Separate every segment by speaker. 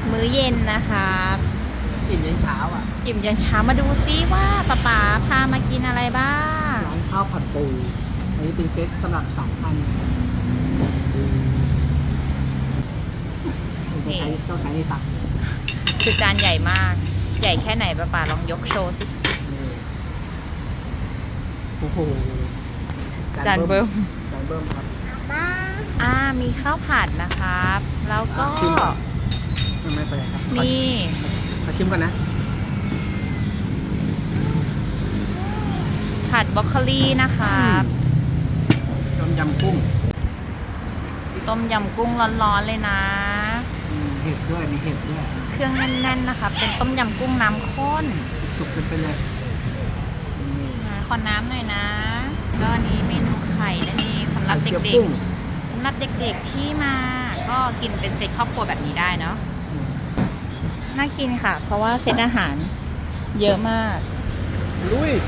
Speaker 1: มื้อเย็นนะครับ
Speaker 2: อิ่มยันเช้าอ่ะ
Speaker 1: อิ่มยันเช้ามาดูซิว่าป๊าพามากินอะไรบ้าง
Speaker 2: ร้านข้าวผัดปูอันนี้เป็นเซตสำหรับ2 ท่านต้องใช้ในตัก
Speaker 1: คือจานใหญ่มาก ใหญ่แค่ไหนป๊าลองยกโชว์สิ
Speaker 2: โอ้โห
Speaker 1: จานเบิ้ม
Speaker 2: จานเบิ้มครับ
Speaker 1: มีข้าวผัดนะครับ แล้วก็
Speaker 2: ชิมก่อนไม่เป็นไรครับ
Speaker 1: มี
Speaker 2: ขอชิมก่อนนะ
Speaker 1: ผัดบรอกโคลีนะครับ
Speaker 2: ต้มยำกุ้ง
Speaker 1: ต้มยำกุ้งร้อนๆเลยนะ
Speaker 2: เห็ดด้วยมีเห็ดด้วย
Speaker 1: เครื่องแน่นๆนะคะ เป็นต้มยำกุ้งน้ำข้น
Speaker 2: จุกไปเลยนี่
Speaker 1: ขอน้ำหน่อยนะก็อันนี้เมนูไข่นั่นเองสำหรับ
Speaker 2: ไข่
Speaker 1: เด็
Speaker 2: เจียว
Speaker 1: ก
Speaker 2: กุ้ง
Speaker 1: ๆสำหรับเด็กๆที่มา ก็กินเป็นเซตครอบครัวแบบนี้ได้เนาะน่ากินค่ะ เพราะว่าเซตอาหารเยอะมาก
Speaker 2: ลุย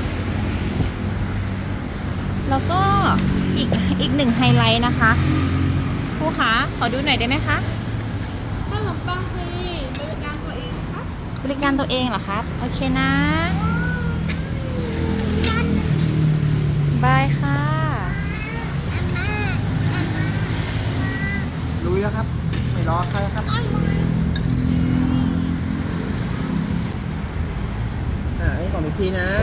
Speaker 1: แล้วก็อีกหนึ่งไฮไลท์นะคะครูคะขอดูหน่อยได้ไหมคะ
Speaker 3: ขนมปังฟรีบริการตัวเองนะคะ
Speaker 1: บริการตัวเองเหรอครับ โอเคนะ บายค่ะ
Speaker 2: ลุยแล้วครับ ไม่รอใครครับอันนี้ของพี่นะ